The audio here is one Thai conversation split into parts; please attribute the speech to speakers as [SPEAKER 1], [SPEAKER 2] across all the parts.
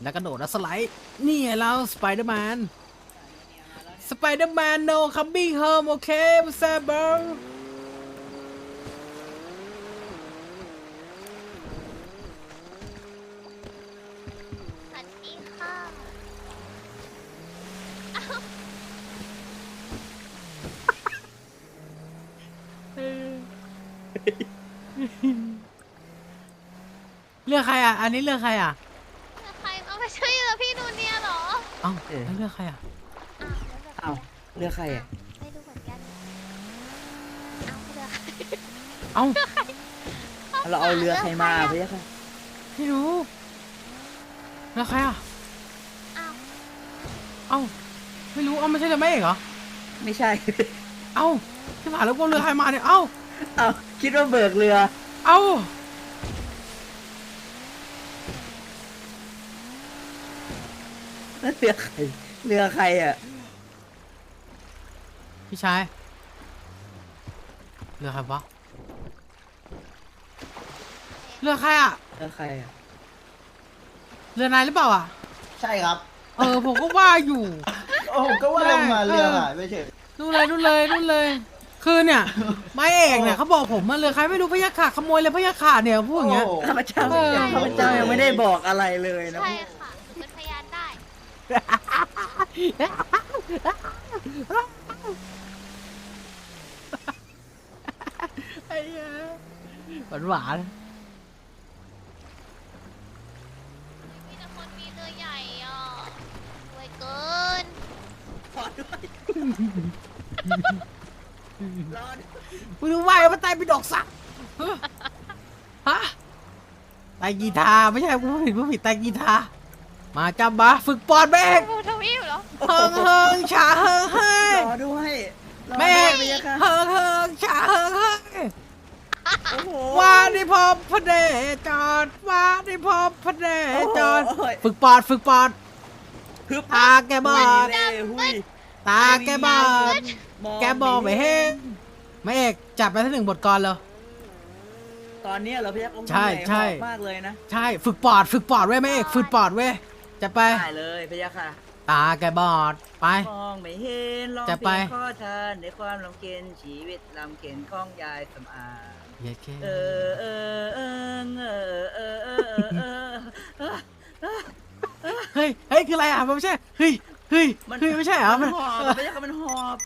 [SPEAKER 1] แล้วกระโดดแล้วสไลด์นี่ไงเราสไปเดอร์แมนno coming home โอเคแซ่บเบอร์
[SPEAKER 2] สวัสดีค่ะ
[SPEAKER 1] เลือกใครอ่ะอันนี้เลือกใครอ่ะ
[SPEAKER 2] ใครเอาไปช่วยเหลือพี่นูเนียเหรอ
[SPEAKER 1] เอ้าแล้วเลือกใครอ่ะ
[SPEAKER 2] อ้าว
[SPEAKER 3] เลือกใครอ่ะ
[SPEAKER 2] ไม่รู้เหมือนกันเอาเรือใคร
[SPEAKER 1] เอ้า
[SPEAKER 3] เราเอาเรือใครมาพี่ค่ะ
[SPEAKER 1] ไม่รู้เลือกใครอ่ะ
[SPEAKER 2] อ้าว
[SPEAKER 1] เอ้าไม่รู้เอ้าไม่ใช่เรือแม่เอกเหรอ
[SPEAKER 3] ไม่ใช่
[SPEAKER 1] เอ้าที่ผ่านแล้วก็เรือใครมาเนี่ยเอ้า
[SPEAKER 3] เอาคิดว่าเบิกเรือ
[SPEAKER 1] เอ้า
[SPEAKER 3] เรือใครเรือใครอ่ะ
[SPEAKER 1] พี่ชายเรือใครวะเรือใครอ่ะ
[SPEAKER 3] เรือใครอ่ะ
[SPEAKER 1] เรือนายหรือเปล่าอ่ะ
[SPEAKER 4] ใช่ครับ
[SPEAKER 1] ผมก็ว่าอยู่
[SPEAKER 4] โอ้ผมก็ว่าลงมาเรือหายไปเฉย
[SPEAKER 1] นู่นเลยคือเนี่ยไม้เอกเนี่ยเขาบอกผมมาเรือใครไม่รู้พยัคฆ์ขาขโมยเลยพยัคฆ์ขาเนี่ยพูดอย่างเงี้ย
[SPEAKER 3] ข้าพเจ้า
[SPEAKER 1] เออ
[SPEAKER 3] ข้าพเจ้ายังไม่ได้บอกอะไรเลยนะ
[SPEAKER 2] ใช่ค่ะหนูเป็นพยานได้
[SPEAKER 1] ไอ้เหี้ยหวาน
[SPEAKER 2] มีแต่คนมีเรือใหญ่อ่ะรวยเกิน
[SPEAKER 3] ขอด้วยรอด้วย
[SPEAKER 1] มึงรู้ว่ามันตายเป็นดอกสักฮะตายกีตาร์ไม่ใช่ผู้ผิดตายกีตาร์มาจำบาฝึกปอดแม่ง
[SPEAKER 2] บูทวีปเหรอ
[SPEAKER 1] เฮิงฉาเฮิงเฮ้ย
[SPEAKER 3] รอด้วยรอ
[SPEAKER 1] แม่
[SPEAKER 3] ด้วยพี่ค่ะ
[SPEAKER 1] เฮิงฉาเฮิงเฮ้ย
[SPEAKER 3] โอ้โห
[SPEAKER 1] ว่าได้พบพระเดจอดว่าได้พบพระเดจอด
[SPEAKER 3] โอ้ย
[SPEAKER 1] ฝึกปอด
[SPEAKER 3] ฮึบ
[SPEAKER 1] ตาแกบอด
[SPEAKER 3] หุย
[SPEAKER 1] ตาแกบอดแกบอกไม่เห็นแม่เอกจับไปทั้ง1 บทกลเลย
[SPEAKER 3] ตอนนี้เราพี่ยักษ์
[SPEAKER 1] ใช่ใช่
[SPEAKER 3] มากเลยนะ
[SPEAKER 1] ใช่ฝึกปอดเว้ยแม่เอกฝึกปอดเว้ยจะไป
[SPEAKER 3] ได้เลยพี่ยักษ์ค่ะ
[SPEAKER 1] ตาแกบอดไป
[SPEAKER 3] มองไม่เห็นร้อง
[SPEAKER 1] จะ
[SPEAKER 3] เพ
[SPEAKER 1] ไป
[SPEAKER 3] ลงข้อทานในความลำเค็ญชีวิตลำเค็ญของยายสำอาง
[SPEAKER 1] เย้แค่
[SPEAKER 3] เออเออเออเออเออเออเออ
[SPEAKER 1] เฮ้ยคืออะไรอ่ะมันไม่ใช่เฮ้ยไม่ใช่เหรอ
[SPEAKER 3] มันหอบไม่ใช่ค่ะมันหอบ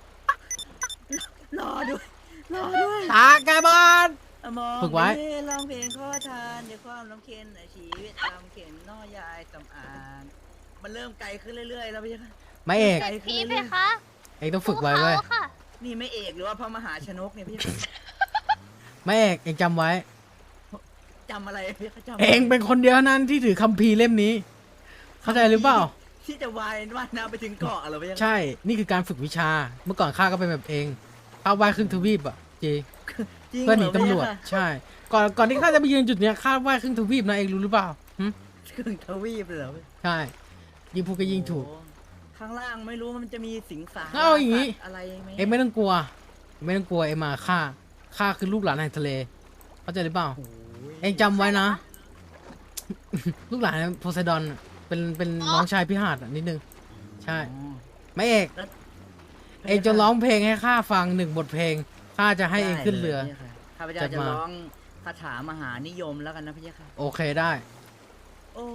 [SPEAKER 3] รอด้วยรอด้วย
[SPEAKER 1] ตาแกบอด
[SPEAKER 3] มอง
[SPEAKER 1] ฝึกไว้
[SPEAKER 3] ม่เห็นร้องเพลงข้อทานในความลำเค็ญชีวิตลำเค็ญน้อยายสำอางมันเริ่มไกลขึ้นเรื่อยๆแล้วพี่ยักษ์
[SPEAKER 1] แม่เอก
[SPEAKER 3] ไกล
[SPEAKER 2] พี่
[SPEAKER 3] ขึ้น
[SPEAKER 2] เพ
[SPEAKER 3] เรื่อย
[SPEAKER 2] คะ
[SPEAKER 1] เอกต้องฝึกไว้เว้ย
[SPEAKER 2] ภูขาค่ะ
[SPEAKER 3] ๆนี่ไม่เอกหรือว่าพระมหาชนกเนี่ยพี่ยักษ์
[SPEAKER 1] แม่เอกจำไว้
[SPEAKER 3] จำอะไรพี่ยักษ์จำ
[SPEAKER 1] เองเป็นคนเดียวเท่านั้นที่ถือคัมภีร์เล่มนี้ เข้าใจหรือเปล่า
[SPEAKER 3] ที่จะว่ายน้ำไปถึงเกาะเหรอพี่ยักษ์
[SPEAKER 1] ใช่ นี่คือการฝึกวิชา เมื่อก่อนข้าก็เป็นแบบเองข้าว่ายครึ่งทวีปอ่ะจริง
[SPEAKER 3] จริง
[SPEAKER 1] เพื่อหนี
[SPEAKER 3] เร
[SPEAKER 1] ตำรวจ
[SPEAKER 3] พี่ยักษ์
[SPEAKER 1] ใช่ ก่อนที่ข้าจะไปยืนจุดเนี้ยข้าว่ายครึ่งทวีปนะเองรู้หรือเปล่าหึ
[SPEAKER 3] ครึ่งทวีปเลยเหรอ
[SPEAKER 1] ใช่ยิงพูดก็ยิงถูก
[SPEAKER 3] โอ้ข้างล่างไม่รู้ว่ามันจะมีสิงสา
[SPEAKER 1] เอาอย่างงี้
[SPEAKER 3] สัตว์อะไรไหม
[SPEAKER 1] เองไม่ต้องกลัวเองมาข้าคือลูกหลานแห่งทะเลเข้าใจหรือเปล่า
[SPEAKER 3] โอ้ย
[SPEAKER 1] เองจำไว้นะ ลูกหลานโพไซดอนน่ะเป็นน้องชายพิหาดอ่ะนิดนึงใช่
[SPEAKER 3] อ๋อ
[SPEAKER 1] ไม่เอกเองจะร้องเพลงให้ข้าฟัง1 บทเพลงข้าจะให้เองขึ้นเรือ
[SPEAKER 3] ได้ลยพี่ค่ะข้าพเจ้า
[SPEAKER 1] จั
[SPEAKER 3] จะ
[SPEAKER 1] ดมา
[SPEAKER 3] ร้องคาถามหานิยมแล้วกันนะพี่ค่ะ
[SPEAKER 1] โอเคได้
[SPEAKER 3] โอ้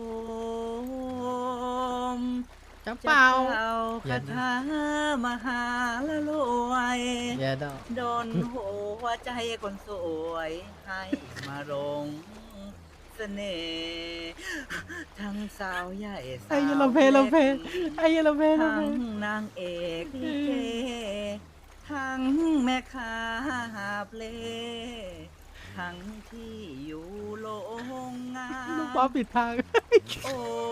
[SPEAKER 3] ม
[SPEAKER 1] จะเปล่า
[SPEAKER 3] คาถามหาละรวย
[SPEAKER 1] อย่าดอก
[SPEAKER 3] โดนหัวใจคนสวยให้มาลงเสน่ห์ทั้งสาวใหญ่สาว
[SPEAKER 1] ไอ้เหี้ยเราเพลง
[SPEAKER 3] ล็ก
[SPEAKER 1] ไอ้เหี้ยเราเพลง
[SPEAKER 3] ทั้งนางเอกลิเกทั้งแม่ค้าหาบเล่ทั้งที่อยู่โรงงา
[SPEAKER 1] ลูก
[SPEAKER 3] น
[SPEAKER 1] ป้าปิดทาง
[SPEAKER 3] โอ้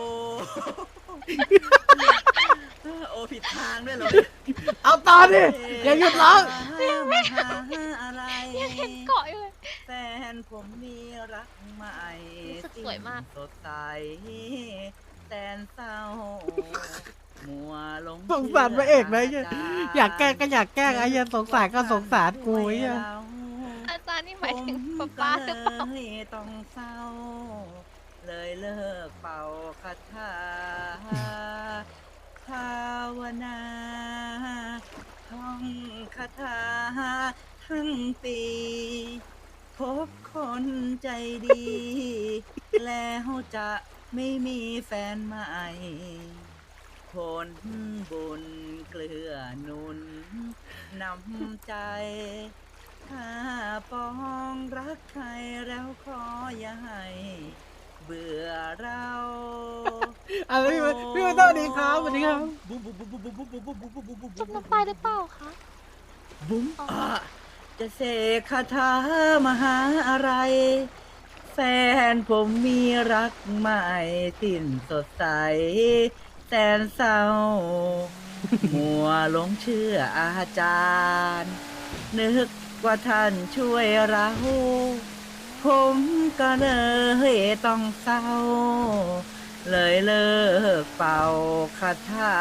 [SPEAKER 3] โอ้ผิดทางด้วยเหรอ
[SPEAKER 1] เอาต่อดิอย่าหยุดร้อง
[SPEAKER 3] มาหาอะไร
[SPEAKER 2] ยังเห็นเกาะอยู่เลย
[SPEAKER 3] แฟนผมมีรักใหม่
[SPEAKER 2] รู้สึกสวยมาก
[SPEAKER 3] สดใสแสนเศร้ามัวหลง
[SPEAKER 1] สงสารพระเอกนะไอ้เหี้ยอยากแกล้งก็อยากแกล้งไอ้เหี้ยสงสารก็สงสารกูไอ้เหี้ย
[SPEAKER 2] อาจารย์นี่หมายถึงป๊าป๊าหรือเปล่า
[SPEAKER 3] ผมก็ลยต้องเศร้าเลยเลิกเป่าคาถาภาวนาท่องคาถาทั้งปีพบคนใจดี แล้วจะไม่มีแฟนใหม่ผลบุญเกลือหนุนนำใจ ถ้าปองรักใครแล้วขออย่าให้เบื่อเรา
[SPEAKER 1] อะไรพี่มาต้อดีครับสวัสดีครับ
[SPEAKER 2] จมน้ำตายหรือเปล่าคะ
[SPEAKER 3] บุ้มจะเสกคาถามหาอะไร แฟนผมมีรักใหม่สิ้นสดใส แสนเศร้า มัวหลงเชื่ออาจารย์ นึกว่าท่านช่วยเรา ผมก็เลยต้องเศร้า เลยเลิกเป่าคาถา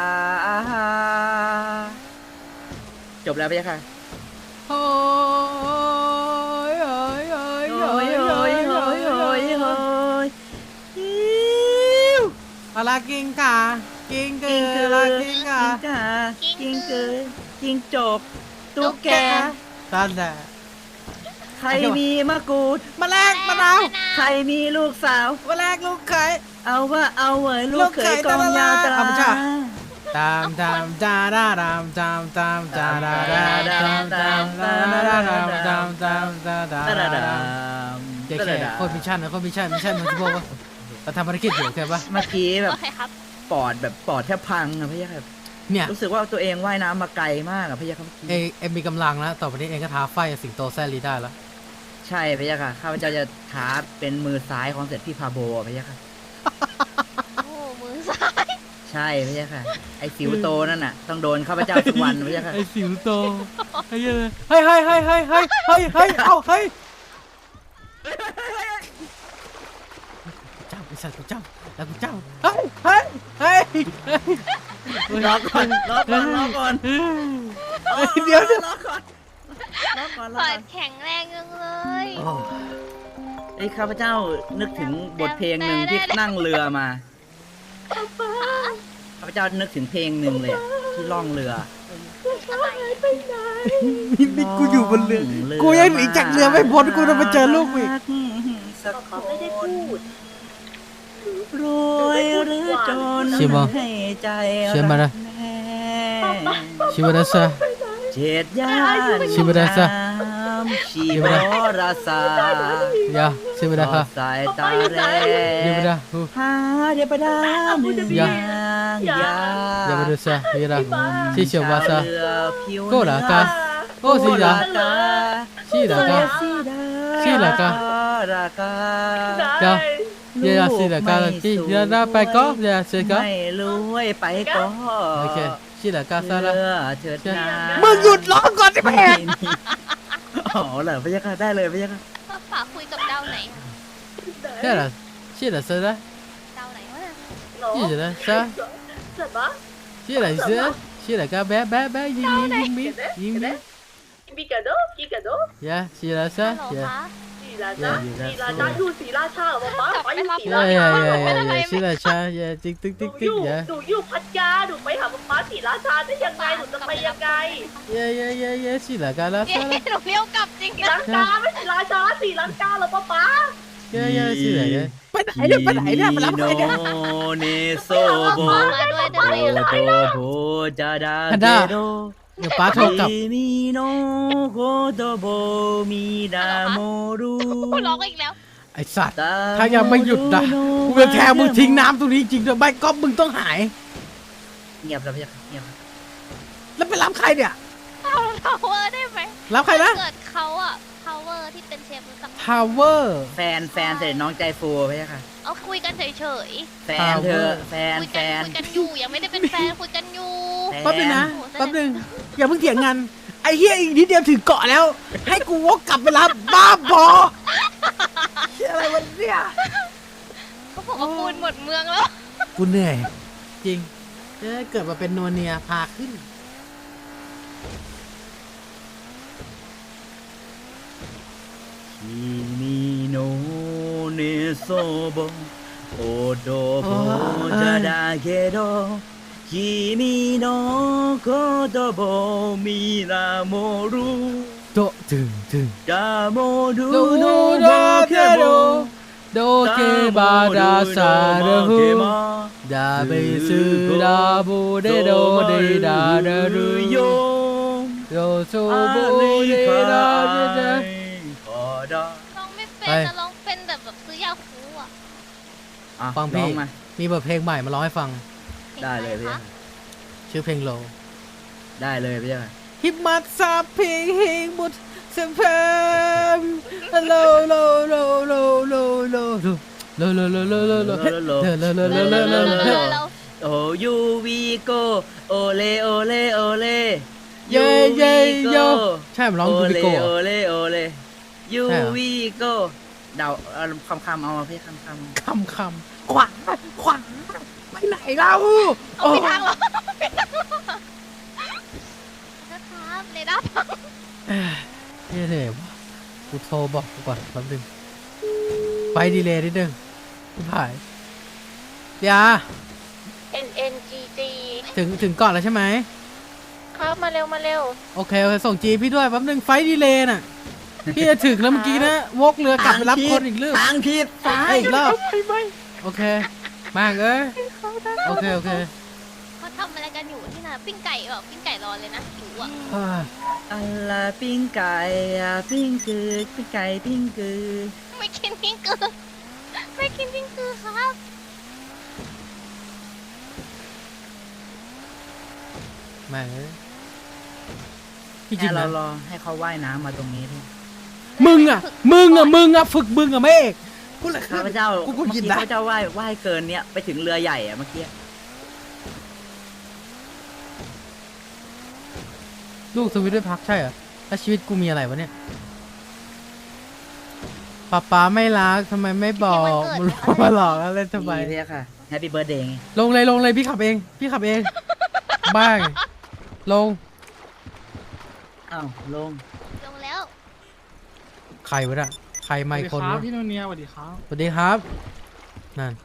[SPEAKER 3] จบแล้วไหมคะ
[SPEAKER 1] โอ้ยโอ้ยโอ้ย
[SPEAKER 3] โอ้ยโอ้ยโอ้ยโอ้ยโอ้ยอิ๊ว
[SPEAKER 1] อะไรกิงกากิงเก
[SPEAKER 3] กิ้ง
[SPEAKER 1] อ
[SPEAKER 3] เกอ
[SPEAKER 1] อะไร
[SPEAKER 3] ร์
[SPEAKER 1] กิง
[SPEAKER 3] กิ้
[SPEAKER 1] กาง
[SPEAKER 3] กากิ้งเกอร์กิ้งจกตุ๊กแก
[SPEAKER 1] ตันแต่
[SPEAKER 3] ใครมีมะกรูด
[SPEAKER 1] มาแลกมะนาว
[SPEAKER 3] ใครมีลูกสาว
[SPEAKER 1] มาแลกลูกไข่
[SPEAKER 3] เอาว่าเอาเหวยลูกเขยกองยาวตรา
[SPEAKER 1] ธรรมชาติ ตามตามจาดาดามตามตามจาดาดาตามตามตาดาดามตามตามตาดา
[SPEAKER 3] ตะระดา
[SPEAKER 1] ดาม แกแค่โคตรมิชชั่นนะโคตรมิชชั่นมิชชั่นมันจะบอกว่าเราทำภารกิจอยู่ใช่ปะ
[SPEAKER 3] เมื่อกี้แบบ
[SPEAKER 2] โอเคครับ
[SPEAKER 3] ปอดแทบพังอะพี่ยักษ์ครับ
[SPEAKER 1] เนี่ย
[SPEAKER 3] รู้สึกว่าตัวเองว่ายน้ำมาไกลมากอะพี่ยักษ์ครับ
[SPEAKER 1] เอ็มมีกำลังแล้วต่อไปนี้เองก็ท้าไฟกับสิงโตแซลีได้แล้ว
[SPEAKER 3] ใช่พี่ยักษ์ค่ะข้าพเจ้าจะท้าเป็นมือซ้ายของเสร็จพี่พาโบอะพี่ยักษ์ค่ะ
[SPEAKER 2] โอ้มือซ้าย
[SPEAKER 3] ใช่พี่ยักษ์ค่ะไอ้สิวโตนั่นน่ะต้องโดนข้าพเจ้าทุกวันพี่ยักษ์ค่ะ
[SPEAKER 1] ไอ้สิวโตไอ้เหี้ยเฮ้ยเฮ้ยเฮ้ยเฮ้ยเฮ้ยเฮ้ยเฮ้ยเอาเฮ้ยเจ้าไอ้สัตว์กูเจ้าแล้วกูเจ้าเฮ้ยเฮ้ยเฮ้ย
[SPEAKER 3] รอก่อนรอก่อนรอก่อน
[SPEAKER 1] เดี๋ยว
[SPEAKER 3] รอก่อนรอก่อนรอ
[SPEAKER 2] เปิ
[SPEAKER 3] ก่อ
[SPEAKER 2] ด
[SPEAKER 3] น
[SPEAKER 2] แข็งแรงจังเลย
[SPEAKER 3] ไอ้ข้าพเจ้านึกถึงบทเพลงหนึ่งที่นั่งเรือมาข้าพเจ้านึกถึงเพลงหนึ่งเลยอะที่ล่องเรือ
[SPEAKER 1] นี่กูอยู่บนเรือกูยังหนีจากเรือไม่พ้นกูต้องมาเจอลูกอีก
[SPEAKER 3] สักคนรวยหรือจน
[SPEAKER 1] ชิบะ
[SPEAKER 3] ให้ใจ
[SPEAKER 1] เชื่อมานะ
[SPEAKER 3] รักแน่
[SPEAKER 1] ชิวาดาซา
[SPEAKER 3] เจ็ดย่าน
[SPEAKER 1] ชิบะดาซะ
[SPEAKER 3] ชีบราซาย
[SPEAKER 1] าชิวาดาค่ะ
[SPEAKER 3] สายตาแร
[SPEAKER 1] เดี๋ยวไปดาฮู
[SPEAKER 3] หาเดี๋ยวไปดาหนึ่ง
[SPEAKER 1] อย่า
[SPEAKER 3] อย่า
[SPEAKER 1] อย่ามาดูซะเฮียดาชิเชียววาซา
[SPEAKER 3] เรือผิว
[SPEAKER 1] โกรากาโอ้สิดาชิดากา
[SPEAKER 3] ชี
[SPEAKER 1] ลากา
[SPEAKER 3] รากา
[SPEAKER 1] กาเฮียชิดากาชิเฮียดาไปก็เฮียเซกา
[SPEAKER 3] ไม่รู้ให้ไปก็
[SPEAKER 1] โอเคชิดากาซา
[SPEAKER 3] เรื
[SPEAKER 1] ละ
[SPEAKER 3] อเถิดนา
[SPEAKER 1] มึงหยุดร้องก่อนดิแม่
[SPEAKER 3] อ๋อเหรอพะยะค่ะได้เลยพะยะค่ะ
[SPEAKER 2] ป้าป๋าคุยกับดาวไหนอะ
[SPEAKER 1] เฮียละชิดาซาละ
[SPEAKER 2] ดาวไหนวะ
[SPEAKER 1] ชิดาซาชิดาซาชิดากาแบะแบะแบะยิงมียิงมี
[SPEAKER 5] Picado, picado.
[SPEAKER 1] ยาชิดาซา
[SPEAKER 2] ฮัลโหล
[SPEAKER 1] ยา
[SPEAKER 2] คะ
[SPEAKER 5] สีราชาสีราชาอยู่สีราชาเหรอป๊าป๊าอยู่สี
[SPEAKER 1] ยา
[SPEAKER 5] ราชาย
[SPEAKER 1] าชิดาชายาติ๊กติ๊ก
[SPEAKER 5] ห
[SPEAKER 1] ติ๊
[SPEAKER 5] นู
[SPEAKER 1] ก
[SPEAKER 5] อ
[SPEAKER 1] ติ๊ก
[SPEAKER 5] ยู่
[SPEAKER 1] ยา
[SPEAKER 5] หนูอยู่พัทยาหนูไปหาป๊าสีราชาได้ยังไงหนูจะไปยังไง
[SPEAKER 1] ยาชิดากาละ
[SPEAKER 2] เย้
[SPEAKER 1] ซาละ
[SPEAKER 2] หนูเลี้ยวกลับจริง
[SPEAKER 5] สี
[SPEAKER 2] นะ
[SPEAKER 5] ลังกาไม่สีราชาสีลังกาเหรอป๊า
[SPEAKER 1] ยาชิดากาไปไหนเนี่ยไปไหนเนี่ยมารับใครเนี่ย
[SPEAKER 3] โนเนโซโบ
[SPEAKER 2] มาด้วยได้ไหม
[SPEAKER 3] โต
[SPEAKER 2] อะ
[SPEAKER 3] โตโบจาดา
[SPEAKER 1] ฮัน
[SPEAKER 3] เก
[SPEAKER 1] ด้า
[SPEAKER 3] โด
[SPEAKER 1] เดี๋ยวป้าโทรกลับ
[SPEAKER 3] มีโนโกโตโบมีดาโมรุ
[SPEAKER 2] ร้องอีกแล้ว
[SPEAKER 1] ไอสัตว์ ถ้ายังไม่หยุดนะกูจะแทงมึงทิ้งน้ำตรงนี้จริงๆด้วยไม่ก็มึงต้องหาย
[SPEAKER 3] เงียบแล้วพะยะค่ะเงียบแล้ว
[SPEAKER 1] แล้วไปรับใครเนี่ย
[SPEAKER 2] เอาพาวเวอร์ได้ไหม
[SPEAKER 1] รับใครนะ
[SPEAKER 2] เกิดเขาอะพาวเวอร์ที่เป็นเชฟรู้จักไหม
[SPEAKER 1] ทาวเวอร์
[SPEAKER 3] แฟนเสร็จน้องใจฟูพะยะค่ะ
[SPEAKER 2] เอาคุยกันเฉย
[SPEAKER 3] แฟนเธอแฟ
[SPEAKER 2] ๆ
[SPEAKER 3] น
[SPEAKER 2] คุย
[SPEAKER 3] แฟ
[SPEAKER 2] กัน
[SPEAKER 3] น
[SPEAKER 2] คุยกันอยู่ยังไม่ได้เป็นแฟนคุยกันอยู่
[SPEAKER 1] แป๊บนึงนะแป๊บนึงอย่าเพิ่งเถียงกันไอ้เฮียอีกนิดเดียวถึงเกาะแล้ว ให้กูวกกลับไปรับบ้าบอเชี่ยอะไรวะเนี่ย
[SPEAKER 2] เขาบอกว่าปูนหมดเมืองแล้ว
[SPEAKER 1] กูเหนื่อย จริงจะเกิดมาเป็นนัวเนียพาขึ้น
[SPEAKER 3] คิมิโนเนโซโบโอ้จะได้แค่ดอก君の言葉を見らもる
[SPEAKER 1] โตะถึง
[SPEAKER 3] だもる
[SPEAKER 1] ど
[SPEAKER 3] の
[SPEAKER 1] だ
[SPEAKER 3] だ
[SPEAKER 1] けど
[SPEAKER 3] けど
[SPEAKER 1] どけばださるふだべすらぶでどでだだるよどそぶでだでだ
[SPEAKER 2] ร้องไม่เป็นนะร้องเป็นแต่แบบซื้อยาคูอ่ะ
[SPEAKER 1] ฟังพี่
[SPEAKER 3] ร้อมา
[SPEAKER 1] มีบทเพลงใหม่มาร้องให้ฟัง
[SPEAKER 3] ได้เลยพี่
[SPEAKER 2] คะ
[SPEAKER 1] ชื่อเพลงโล
[SPEAKER 3] ได้เลยพี่
[SPEAKER 1] ฮิปมัดซาเพลงเฮงบุตรเซมเพมโลโลโลโลโลโลโลโลโลโลโลโลโลโลโลโลโลโล
[SPEAKER 2] เรา
[SPEAKER 3] โอยูวีโกโอเลโอเลโอเล
[SPEAKER 1] เย่เย่โยใช่มันร้อง
[SPEAKER 3] โอ
[SPEAKER 1] ยู
[SPEAKER 3] เล
[SPEAKER 1] บิโกะ
[SPEAKER 3] โอเลโอเลยู
[SPEAKER 1] ใช่เหรอ
[SPEAKER 3] วีโกเดาคำเอามาพี่คำ
[SPEAKER 1] คำขวาไปไหนเรา
[SPEAKER 2] เอาไปทางเหรอนะครับเรดาร์พัง
[SPEAKER 1] เย่เลยกูโทรบอกกูก่อนแป๊บนึงไฟดีเลย์นิดนึงพี่ผายยา
[SPEAKER 2] NNGG
[SPEAKER 1] ถึงก่อนแล้วใช่ไหม
[SPEAKER 2] ครับมาเร็วมาเร็ว
[SPEAKER 1] โอเคส่งจีพี่ด้วยแป๊บนึงไฟดีเลย์น่ะพี่จะถึงแล้วเมื่อกี้นะวกเรือกลับไปรับคนอีกเรื่อง
[SPEAKER 3] ทางผิด
[SPEAKER 1] อีกรอบโอเคมากเอ้ยโอเค
[SPEAKER 2] เขาทำอะไรกันอยู่ที่น่ะปิ้งไก่แบบปิ้งไก่รอเลยนะหิวอ่ะ
[SPEAKER 3] อะไรปิ้งไก่ปิ้งคือปิ้งไก่ปิ้งคือ
[SPEAKER 2] ไม่กินปิ้งกือไม่กินปิ้งกือครับ
[SPEAKER 1] แม่งเอ้ยพี่จริ
[SPEAKER 3] แค่
[SPEAKER 1] ง
[SPEAKER 3] เรา
[SPEAKER 1] นะ
[SPEAKER 3] รอให้เขาว่ายน้ำมาตรงนี้ที่
[SPEAKER 1] มึงอ่ะฝึกมึงอ่ะไม่เอกกูเลย
[SPEAKER 3] ข้าพเจ้า
[SPEAKER 1] กู
[SPEAKER 3] เมื่อ
[SPEAKER 1] กิน
[SPEAKER 3] กี้
[SPEAKER 1] นะ
[SPEAKER 3] ข้าพเจ้าว่ายเกินเนี้ยไปถึงเรือใหญ่อะเมื่อกี้
[SPEAKER 1] ลูกสวิตด้วยพักใช่เหรอแล้วชีวิตกูมีอะไรวะเนี่ยป๊าไม่รักทำไมไม่บอกมึงมาหลอกแล้วเล่นทำไม
[SPEAKER 3] ดีพี่ค่ะแฮปปี้เบิร์ดเดย์ไง
[SPEAKER 1] ลงเลยพี่ขับเองบ้างลง
[SPEAKER 3] อ้าวลง
[SPEAKER 2] ลงแล้ว
[SPEAKER 1] ใครวะน่ะใครไม่คนวะ
[SPEAKER 6] พี่โนเนียสวัสดีครับ
[SPEAKER 1] สวัสดีครับนั่น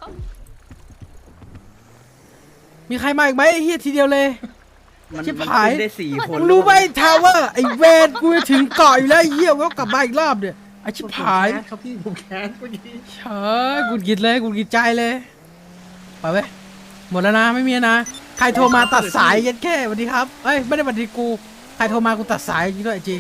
[SPEAKER 1] มีใครมาอีกไหมไอ้เฮียทีเดียวเลย
[SPEAKER 3] มัน
[SPEAKER 1] ชิบ
[SPEAKER 3] มัน
[SPEAKER 1] หาย
[SPEAKER 3] ขึ้นได้4 คน
[SPEAKER 1] มึงรู้ไหมทาวเวอร์ไอ้เวนกูจะถึงเกาะอยู่แล้วไอ้เหี้ยก็กลับมาอีกรอบเนี่ยไอ้ชิบหาย
[SPEAKER 6] ครับพี่ผมแค้นเมื่อกี้
[SPEAKER 1] เฉยกูกิดเลยกูกิดใจเลยไปเว้ยหมดแล้วนะไม่มีนะใครโทรมาตัดสายยันแค่สวัสดีครับเอ้ยไม่ได้สวัสดีกูใครโทรมากูตัดสายจริงด้วยจริง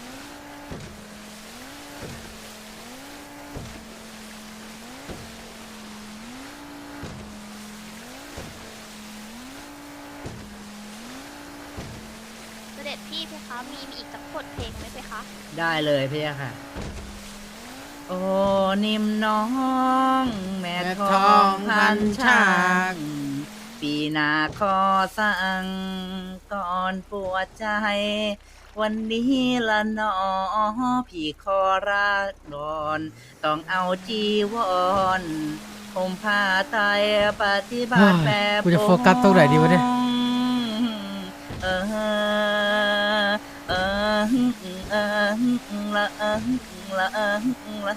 [SPEAKER 2] เสด็จพี่เพคะมีอีกสักบทเพลงไหมเพคะ
[SPEAKER 3] ได้เลยพี่ค่ะ โอ้นิ่มน้องแม่ทองพันช่างปีหนาขอสั่งก่อนปวดใจ วันนี้ละหนอพี่ขอรักดอนต้องเอาจีวรผมผ้าไตรปฏิบัติแบบ
[SPEAKER 1] กูจะโฟกัสตรงไหนดีวะเนี่ย
[SPEAKER 3] เออเออเออละเออละเออละ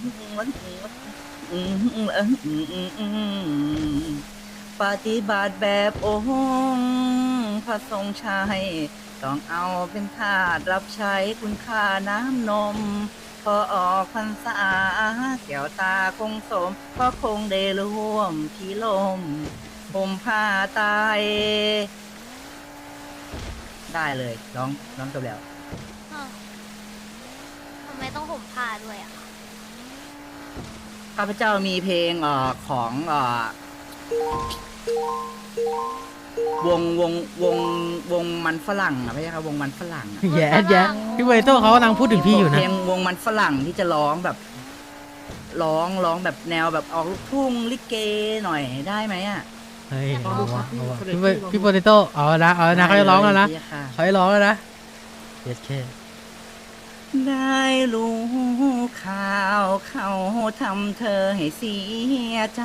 [SPEAKER 3] ปฏิบัติแบบองค์พระทรงชัยต้องเอาเป็นทาสรับใช้คุณค่าน้ำนม พอออกพรรษาแก้วตาคงสมเพราะคงได้ร่วมพี่ลมผมผ้าตายได้เลยร้องจบแล้ว
[SPEAKER 2] อ้าวทำไมต้องห่มผ้าด้วยอ่ะ
[SPEAKER 3] ข้าพเจ้ามีเพลงของวงมันฝรั่งอ่ะไม่ใช่ครับวงมันฝรั่งอะ
[SPEAKER 1] แย่พี่เวโต้เขากำลังพูดถึงพี่อยู่นะ
[SPEAKER 3] เพลงวงมันฝรั่งที่จะร้องแบบร้องแบบแนวแบบออกลูกทุ่งลิเกหน่อยได้ไหมอ่ะ
[SPEAKER 1] เฮ้ยเอาวะพี่โปเตโต้เอาละเขาจะร้องแล้วนะ
[SPEAKER 3] ได้ค่ะ
[SPEAKER 1] เขาจะร้องแล้วนะเย็ดแค่
[SPEAKER 3] ได้รู้ข่าวเขาทำเธอให้เสียใจ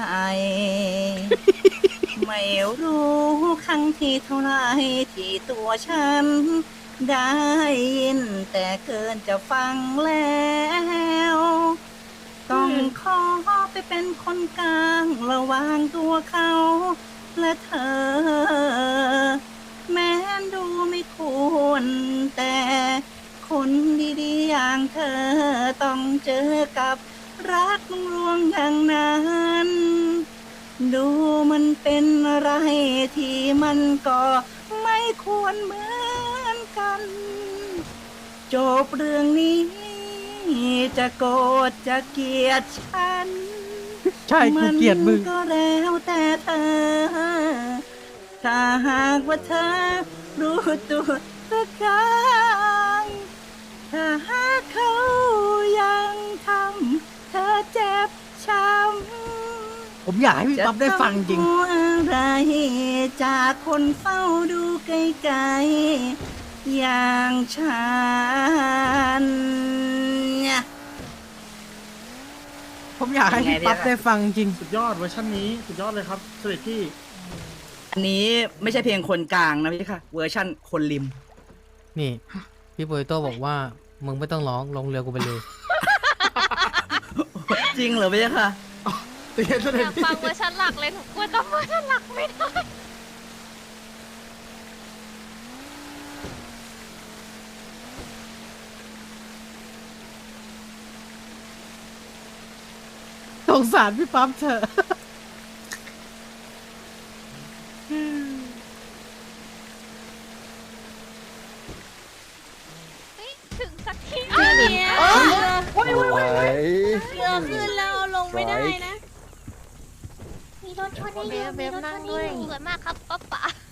[SPEAKER 3] ไม่รู้ครั้งที่เท่าไรที่ตัวฉัน ได้ยินแต่เกินจะฟังแล้ว ตต้องขอไปเป็นคนกลางระหว่างตัวเขาและเธอ แม้นดูไม่ควรแต่คนดีๆอย่างเธอต้องเจอกับรักลวงอย่างนั้น ดูมันเป็นอะไรที่มันก็ไม่ควรเหมือนกัน จบเรื่องนี้จะโกรธจะเกลียดฉัน
[SPEAKER 1] ใช่กูเกลียดมึง
[SPEAKER 3] นก็แล้วแต่เธอ ถ้าหากว่าเธอรู้ตัวสักครั้งถ้าหากเขายังทำเธอเจ็บช้ำ
[SPEAKER 1] ผมอยากให้พี่ปั๊บได้ฟังจริง
[SPEAKER 3] จะต้องอะไรจากคนเฝ้าดูไกลๆอย่างฉัน
[SPEAKER 1] ผมอยากให้พี่ปั๊บได้ฟังจริง
[SPEAKER 6] สุดยอดเวอร์ชันนี้สุดยอดเลยครับเสด็จพี่
[SPEAKER 3] อันนี้ไม่ใช่เพลงคนกลางนะพี่ค่ะ เวอร์ชั่นคนริม
[SPEAKER 1] นี่ พี่โปเตโต้บอกว่ามึงไม่ต้องร้องลงเรือกูไปเลย
[SPEAKER 3] จริงเหรอพี่ค่ะ
[SPEAKER 6] เตียนเส
[SPEAKER 2] อ
[SPEAKER 6] ด็จ
[SPEAKER 2] ยาก
[SPEAKER 6] พี่
[SPEAKER 2] ฟังเวอร์ชันหลักเลยหนูกลัวจำเวอร์ชันหลักไม่ได้
[SPEAKER 1] สงสารพี่ปั๊บเถอะ
[SPEAKER 2] เฮ้ยถึงสักทีเนี่ย
[SPEAKER 7] สวย
[SPEAKER 2] เรือขึ้นแล้วเอาลงไม่ได้นะ
[SPEAKER 7] มีรถชน
[SPEAKER 2] เบ
[SPEAKER 7] ได้เย
[SPEAKER 2] ฟ
[SPEAKER 7] อะ
[SPEAKER 2] เบ
[SPEAKER 7] มี
[SPEAKER 2] ฟ
[SPEAKER 7] รถช
[SPEAKER 2] นั่ง
[SPEAKER 7] น
[SPEAKER 2] ด้วย
[SPEAKER 7] ได้เย
[SPEAKER 2] ส
[SPEAKER 7] อะ
[SPEAKER 2] วยมากครับป๊าป๋า